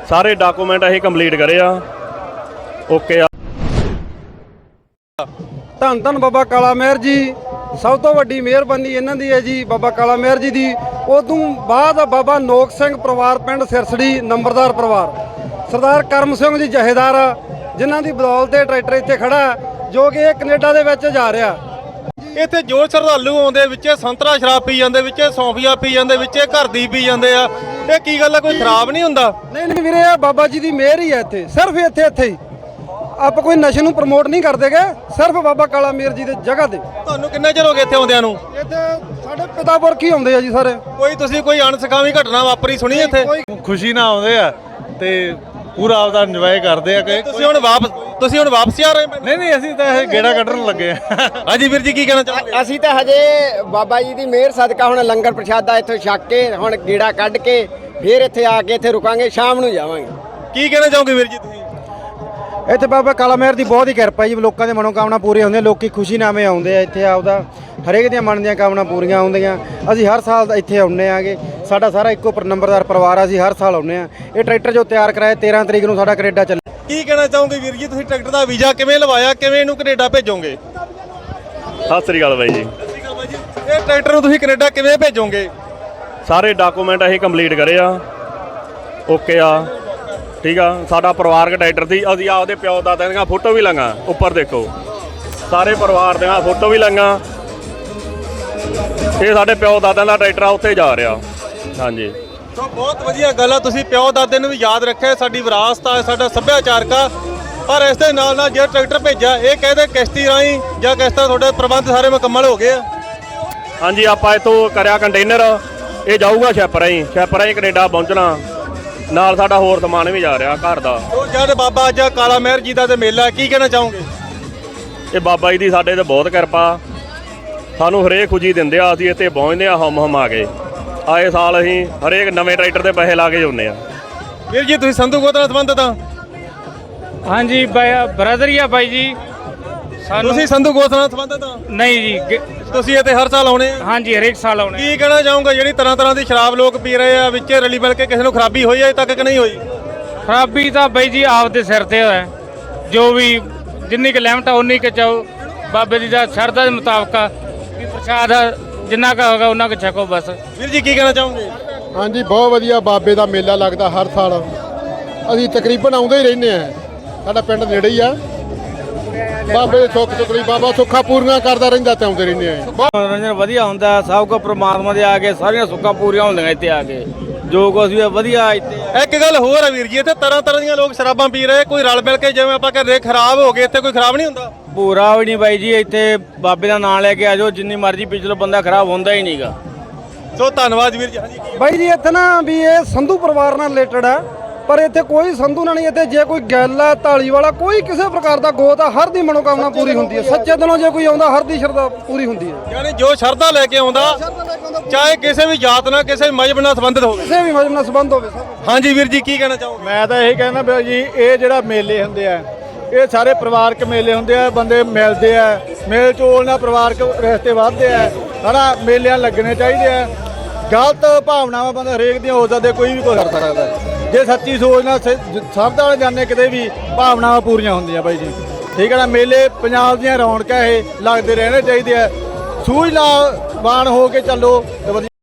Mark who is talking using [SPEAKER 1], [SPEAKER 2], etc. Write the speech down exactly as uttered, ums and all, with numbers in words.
[SPEAKER 1] सारे डॉक्यूमेंट असीं कंप्लीट करे आ ओके आ।
[SPEAKER 2] धन धन बाबा काला मेहर जी सब तो वड्डी मेहरबानी इन्हां दी है जी बाबा काला मेहर जी दी। उदों बाद बाबा नोक सिंह परिवार पिंड सिरसड़ी नंबरदार परिवार सरदार करम सिंह जी जहेदार जिन्हां दी बदौलत ट्रैक्टर इत्थे खड़ा जो कि कनेडा दे विच जा रहा।
[SPEAKER 3] ਇੱਥੇ ਜੋ ਸ਼ਰਧਾਲੂ ਆਉਂਦੇ ਵਿੱਚ ਸੰਤਰਾ ਸ਼ਰਾਬ ਪੀ ਜਾਂਦੇ ਵਿੱਚ ਸੌਂਫੀਆ ਪੀ ਜਾਂਦੇ ਵਿੱਚ ਘਰ ਦੀ ਪੀ ਜਾਂਦੇ ਆ। ਇਹ ਕੀ ਗੱਲ ਆ, ਕੋਈ ਖਰਾਬ ਨਹੀਂ ਹੁੰਦਾ?
[SPEAKER 2] ਨਹੀਂ ਨਹੀਂ ਵੀਰੇ ਆ ਬਾਬਾ ਜੀ ਦੀ ਮਿਹਰ ਹੀ ਹੈ ਇੱਥੇ, ਸਿਰਫ ਇੱਥੇ ਇੱਥੇ ਹੀ ਆਪਾਂ ਕੋਈ ਨਸ਼ੇ ਨੂੰ ਪ੍ਰਮੋਟ ਨਹੀਂ ਕਰਦੇਗੇ, ਸਿਰਫ ਬਾਬਾ ਕਾਲਾ ਮੇਹਰ ਜੀ ਦੇ ਜਗ੍ਹਾ ਤੇ।
[SPEAKER 3] ਤੁਹਾਨੂੰ ਕਿੰਨਾ ਚਿਰ ਹੋ ਗਿਆ ਇੱਥੇ ਆਉਂਦਿਆਂ ਨੂੰ?
[SPEAKER 2] ਇੱਥੇ ਸਾਡੇ ਪਿਤਾ ਪੁਰਖ ਹੀ ਆਉਂਦੇ ਆ ਜੀ ਸਾਰੇ।
[SPEAKER 3] ਕੋਈ ਤੁਸੀਂ ਕੋਈ ਅਣਸਖਾਵੀ ਘਟਨਾ ਵਾਪਰੀ ਸੁਣੀ ਇੱਥੇ?
[SPEAKER 4] ਖੁਸ਼ੀ ਨਾਲ ਆਉਂਦੇ ਆ ਤੇ ਪੂਰਾ ਆਪਦਾ ਇੰਜੋਏ ਕਰਦੇ ਆ ਕਿ
[SPEAKER 3] ਤੁਸੀਂ ਹੁਣ ਵਾਪਸ ਤੁਸੀਂ ਹੁਣ ਵਾਪਸ ਆ ਰਹੇ?
[SPEAKER 4] ਨਹੀਂ ਨਹੀਂ ਅਸੀਂ ਤਾਂ ਇਹ ਗੇੜਾ ਕੱਢਣ ਲੱਗੇ ਆ।
[SPEAKER 3] ਹਾਂਜੀ ਵੀਰ ਜੀ ਕੀ ਕਹਿਣਾ ਚਾਹੋਗੇ?
[SPEAKER 5] ਅਸੀਂ ਤਾਂ ਹਜੇ ਬਾਬਾ ਜੀ ਦੀ ਮਿਹਰ ਸਦਕਾ ਹੁਣ ਲੰਗਰ ਪ੍ਰਸ਼ਾਦਾ ਇੱਥੋਂ ਛਕ ਕੇ ਹੁਣ ਗੇੜਾ ਕੱਢ ਕੇ ਫਿਰ ਇੱਥੇ ਆ ਕੇ ਇੱਥੇ ਰੁਕਾਂਗੇ, ਸ਼ਾਮ ਨੂੰ ਜਾਵਾਂਗੇ।
[SPEAKER 3] ਕੀ ਕਹਿਣਾ ਚਾਹੋਗੇ ਵੀਰ ਜੀ ਤੁਸੀਂ?
[SPEAKER 2] ਇੱਥੇ ਬਾਬਾ ਕਾਲਾ ਮੇਹਰ ਦੀ ਬਹੁਤ ਹੀ ਕਿਰਪਾ ਜੀ, ਲੋਕਾਂ ਦੇ ਮਨੋਕਾਮਨਾ ਪੂਰੀਆਂ ਹੁੰਦੀਆਂ, ਲੋਕੀ ਖੁਸ਼ੀ ਨਾਮੇ ਆਉਂਦੇ ਆ ਇੱਥੇ, ਆਪਦਾ ਹਰੇਕ ਦੀਆਂ ਮਨ ਦੀਆਂ ਕਾਮਨਾ ਪੂਰੀਆਂ ਹੁੰਦੀਆਂ। ਅਸੀਂ ਹਰ ਸਾਲ ਇੱਥੇ ਆਉਂਦੇ ਆਗੇ, ਸਾਡਾ ਸਾਰਾ ਇੱਕੋ ਨੰਬਰਦਾਰ ਪਰਿਵਾਰ ਆ, ਅਸੀਂ ਹਰ ਸਾਲ ਆਉਂਦੇ ਆ। ਇਹ ਟਰੈਕਟਰ ਜੋ ਤਿਆਰ ਕਰਾਇਆ ਤੇਰ੍ਹਾਂ ਤਰੀਕ ਨੂੰ ਸਾਡਾ ਕੈਨੇਡਾ ਚੱਲੇ।
[SPEAKER 3] ਕੀ ਕਹਿਣਾ ਚਾਹੋਗੇ ਵੀਰ ਜੀ, ਤੁਸੀਂ ਟਰੈਕਟਰ ਦਾ ਵੀਜ਼ਾ ਕਿਵੇਂ ਲਵਾਇਆ, ਕਿਵੇਂ ਇਹਨੂੰ ਕੈਨੇਡਾ ਭੇਜੋਗੇ?
[SPEAKER 1] ਸਤਿ ਸ੍ਰੀ ਅਕਾਲ ਬਾਈ ਜੀ।
[SPEAKER 3] ਇਹ ਟਰੈਕਟਰ ਨੂੰ ਤੁਸੀਂ ਕੈਨੇਡਾ ਕਿਵੇਂ ਭੇਜੋਗੇ?
[SPEAKER 1] ਸਾਰੇ ਡਾਕੂਮੈਂਟ ਅਸੀਂ ਕੰਪਲੀਟ करे ਆ ओके आ ठीक आ। साडा परिवारक ट्रैक्टर सी, असीं आपदे प्यो दादा ਦੀਆਂ फोटो भी लंगा उपर देखो, सारे परिवार ਦੀਆਂ फोटो भी लंगा। ਇਹ ਸਾਡੇ ਪਿਓ ਦਾਦਿਆਂ ਦਾ ਟਰੈਕਟਰ ਆ, ਉੱਥੇ ਜਾ ਰਿਹਾ। ਹਾਂਜੀ
[SPEAKER 3] ਸੋ ਬਹੁਤ ਵਧੀਆ ਗੱਲ ਆ, ਤੁਸੀਂ ਪਿਓ ਦਾਦੇ ਨੂੰ ਵੀ ਯਾਦ ਰੱਖਿਆ, ਸਾਡੀ ਵਿਰਾਸਤ ਆ, ਸਾਡਾ ਸੱਭਿਆਚਾਰਕ ਆ। ਪਰ ਇਸ ਦੇ ਨਾਲ ਨਾਲ ਜਿਹੜਾ ਟਰੈਕਟਰ ਭੇਜਿਆ ਇਹ ਕਹਿੰਦੇ ਕਿਸ਼ਤੀ ਰਾਹੀਂ ਜਾਂ ਕਿਸ ਤਰ੍ਹਾਂ ਤੁਹਾਡੇ ਪ੍ਰਬੰਧ ਸਾਰੇ ਮੁਕੰਮਲ ਹੋ ਗਏ ਆ?
[SPEAKER 1] ਹਾਂਜੀ ਆਪਾਂ ਇੱਥੋਂ ਕਰਿਆ ਕੰਟੇਨਰ, ਇਹ ਜਾਊਗਾ ਸ਼ਿਪ ਰਾਹੀਂ, ਸ਼ਿਪ ਰਾਹੀਂ ਕੈਨੇਡਾ ਪਹੁੰਚਣਾ। ਨਾਲ ਸਾਡਾ ਹੋਰ ਸਮਾਨ ਵੀ ਜਾ ਰਿਹਾ ਘਰ ਦਾ।
[SPEAKER 3] ਉਹ ਜਦ ਬਾਬਾ ਅੱਜ ਕਾਲਾ ਮੇਹਰ ਜੀ ਦਾ ਤੇ ਮੇਲਾ, ਕੀ ਕਹਿਣਾ ਚਾਹੋਗੇ?
[SPEAKER 1] ਇਹ ਬਾਬਾ ਜੀ ਦੀ ਸਾਡੇ ਤੇ ਬਹੁਤ ਕਿਰਪਾ, ਸਾਨੂੰ ਹਰੇਕ ਖੁਸ਼ੀ ਦਿੰਦੇ ਆ। ਅਸੀਂ ਇੱਥੇ ਪਹੁੰਚਦੇ ਆ ਹਮ ਹਮ ਆ ਕੇ। ਆਏ ਸਾਲ ਅਸੀਂ ਹਰੇਕ ਨਵੇਂ ਟਰੈਕਟਰ ਦੇ ਪੈਸੇ ਲਾ ਕੇ ਜਾਂਦੇ ਆ।
[SPEAKER 3] ਵੀਰ ਜੀ ਤੁਸੀਂ ਸੰਧੂ ਗੋਤ ਨਾਲ ਸੰਬੰਧਿਤ ਆ?
[SPEAKER 6] ਹਾਂਜੀ ਬ੍ਰਦਰ ਹੀ ਆ ਬਾਈ ਜੀ। ਸਾਨੂੰ
[SPEAKER 3] ਤੁਸੀਂ ਸੰਧੂ ਗੋਤ ਨਾਲ ਸੰਬੰਧਿਤ ਆ?
[SPEAKER 6] ਨਹੀਂ ਜੀ,
[SPEAKER 3] ਤੁਸੀਂ ਇੱਥੇ ਹਰ ਸਾਲ ਆਉਣੇ ਆ?
[SPEAKER 6] ਹਾਂਜੀ ਹਰੇਕ ਸਾਲ ਆਉਣੇ।
[SPEAKER 3] ਕੀ ਕਹਿਣਾ ਚਾਹੋਗੇ, ਜਿਹੜੀ ਤਰ੍ਹਾਂ ਤਰ੍ਹਾਂ ਦੀ ਸ਼ਰਾਬ ਲੋਕ ਪੀ ਰਹੇ ਆ, ਵਿੱਚ ਰਲੀ ਮਿਲ ਕੇ ਕਿਸੇ ਨੂੰ ਖਰਾਬੀ ਹੋਈ ਅਜੇ ਤੱਕ ਕਿ ਨਹੀਂ ਹੋਈ?
[SPEAKER 6] ਖਰਾਬੀ ਤਾਂ ਬਾਈ ਜੀ ਆਪਦੇ ਸਿਰ ਤੇ ਹੋਇਆ, ਜੋ ਵੀ ਜਿੰਨੀ ਕੁ ਲਿਮਟ ਆ ਉਨੀ ਕੁ ਚਾਹੋ, ਬਾਬੇ ਦੀ ਦਾ ਸ਼ਰਧਾ ਦੇ ਮੁਤਾਬਕ ਵੀ ਪ੍ਰਸ਼ਾਦ ਜਿੰਨਾ ਕੁ ਹੋਗਾ ਉਹਨਾਂ ਕੁ ਛਕੋ ਬਸ।
[SPEAKER 3] ਵੀਰ ਜੀ ਕੀ ਕਹਿਣਾ ਚਾਹੋਗੇ?
[SPEAKER 7] ਹਾਂਜੀ ਬਹੁਤ ਵਧੀਆ, ਬਾਬੇ ਦਾ ਮੇਲਾ ਲੱਗਦਾ ਹਰ ਸਾਲ, ਅਸੀਂ ਤਕਰੀਬਨ ਆਉਂਦੇ ਹੀ ਰਹਿੰਦੇ ਆ, ਸਾਡਾ ਪਿੰਡ ਨੇੜੇ ਹੀ ਆ। ਬਾਬੇ ਦੇ ਸੁੱਖ ਸੁਖਲੀ ਬਾਬਾ ਸੁੱਖਾਂ ਪੂਰੀਆਂ ਕਰਦਾ ਰਹਿੰਦਾ ਤੇ ਆਉਂਦੇ ਰਹਿੰਦੇ ਆ।
[SPEAKER 6] ਮਨੋਰੰਜਨ ਵਧੀਆ ਹੁੰਦਾ, ਸਭ ਕੋ ਪ੍ਰਮਾਤਮਾ ਦੇ ਆ ਕੇ ਸਾਰੀਆਂ ਸੁੱਖਾਂ ਪੂਰੀਆਂ ਹੁੰਦੀਆਂ ਇੱਥੇ ਆ ਕੇ, ਜੋ ਕੁਛ ਵੀ ਵਧੀਆ ਇੱਥੇ।
[SPEAKER 3] ਇੱਕ ਗੱਲ ਹੋਰ ਆ ਵੀਰ ਜੀ, ਇੱਥੇ ਤਰ੍ਹਾਂ ਤਰ੍ਹਾਂ ਦੀਆਂ ਲੋਕ ਸ਼ਰਾਬਾਂ ਪੀ ਰਹੇ, ਕੋਈ ਰਲ ਮਿਲ ਕੇ ਜਿਵੇਂ ਆਪਾਂ ਕਹਿੰਦੇ ਖਰਾਬ ਹੋ ਗਏ, ਇੱਥੇ ਕੋਈ ਖਰਾਬ ਨਹੀਂ ਹੁੰਦਾ?
[SPEAKER 6] ਪੂਰਾ ਵੀ ਨਹੀਂ ਬਾਈ ਜੀ, ਇੱਥੇ ਬਾਬੇ ਦਾ ਨਾਮ ਲੈ ਕੇ ਆ ਜਾਓ, ਜਿੰਨੀ ਮਰਜ਼ੀ ਪਿਛਲੋ ਬੰਦਾ ਖਰਾਬ ਹੁੰਦਾ ਹੀ ਨਹੀਂਗਾ।
[SPEAKER 3] ਸੋ ਧੰਨਵਾਦ ਵੀਰ ਜੀ। ਹਾਂਜੀ
[SPEAKER 2] ਬਾਈ ਜੀ ਇੱਥੇ ਨਾ ਵੀ ਇਹ ਸੰਧੂ ਪਰਿਵਾਰ ਨਾਲ ਰਿਲੇਟਡ ਆ, ਪਰ ਇੱਥੇ ਕੋਈ ਸੰਧੂ ਨਾਲ ਨਹੀਂ। ਇੱਥੇ ਜੇ ਕੋਈ ਗੱਲ ਆ ਢਾਲੀ ਵਾਲਾ ਕੋਈ ਕਿਸੇ ਪ੍ਰਕਾਰ ਦਾ ਗੋਤ ਆ, ਹਰ ਦੀ ਮਨੋਕਾਮਨਾ ਪੂਰੀ ਹੁੰਦੀ ਹੈ। ਸੱਚੇ ਦਿਲੋਂ ਜੇ ਕੋਈ ਆਉਂਦਾ ਹਰ ਦੀ ਸ਼ਰਧਾ ਪੂਰੀ ਹੁੰਦੀ ਹੈ।
[SPEAKER 3] ਯਾਨੀ ਜੋ ਸ਼ਰਧਾ ਲੈ ਕੇ ਆਉਂਦਾ, ਚਾਹੇ ਕਿਸੇ ਵੀ ਜਾਤ ਨਾਲ ਕਿਸੇ ਵੀ ਮਜ਼ਹਬ ਨਾਲ ਸੰਬੰਧਿਤ ਹੋਵੇ,
[SPEAKER 2] ਕਿਸੇ ਵੀ ਮਜ਼ਹਬ ਨਾਲ ਸੰਬੰਧ ਹੋਵੇ।
[SPEAKER 3] ਹਾਂਜੀ ਵੀਰ ਜੀ ਕੀ ਕਹਿਣਾ ਚਾਹੋਗੇ?
[SPEAKER 4] ਮੈਂ ਤਾਂ ਇਹ ਕਹਿੰਦਾ ਵੀ ਜੀ ਇਹ ਜਿਹੜਾ ਮੇਲੇ ਹੁੰਦੇ ਆ ਇਹ ਸਾਰੇ ਪਰਿਵਾਰਕ ਮੇਲੇ ਹੁੰਦੇ ਆ, ਬੰਦੇ ਮਿਲਦੇ ਆ, ਮੇਲ ਚੋਲ ਨਾਲ ਪਰਿਵਾਰਕ ਰਿਸ਼ਤੇ ਵੱਧਦੇ ਆ। ਹਨਾ ਮੇਲਿਆਂ ਲੱਗਣੇ ਚਾਹੀਦੇ ਆ। ਗਲਤ ਭਾਵਨਾਵਾਂ ਬੰਦਾ ਹਰੇਕ ਦੀਆਂ ਹੋ ਸਕਦੇ, ਕੋਈ ਵੀ ਕੁਝ ਕਰ ਸਕਦਾ। ਜੇ ਸੱਚੀ ਸੋਚ ਨਾਲ ਸਭ ਦਾ ਜਾਣੇ ਕਿਤੇ ਵੀ ਭਾਵਨਾਵਾਂ ਪੂਰੀਆਂ ਹੁੰਦੀਆਂ ਬਾਈ ਜੀ, ਠੀਕ ਹੈ ਨਾ। ਮੇਲੇ ਪੰਜਾਬ ਦੀਆਂ ਰੌਣਕਾਂ ਇਹ ਲੱਗਦੇ ਰਹਿਣੇ ਚਾਹੀਦੇ ਆ। ਸੂਝਵਾਨ ਹੋ ਕੇ ਚੱਲੋ ਤੇ ਵਧੀਆ।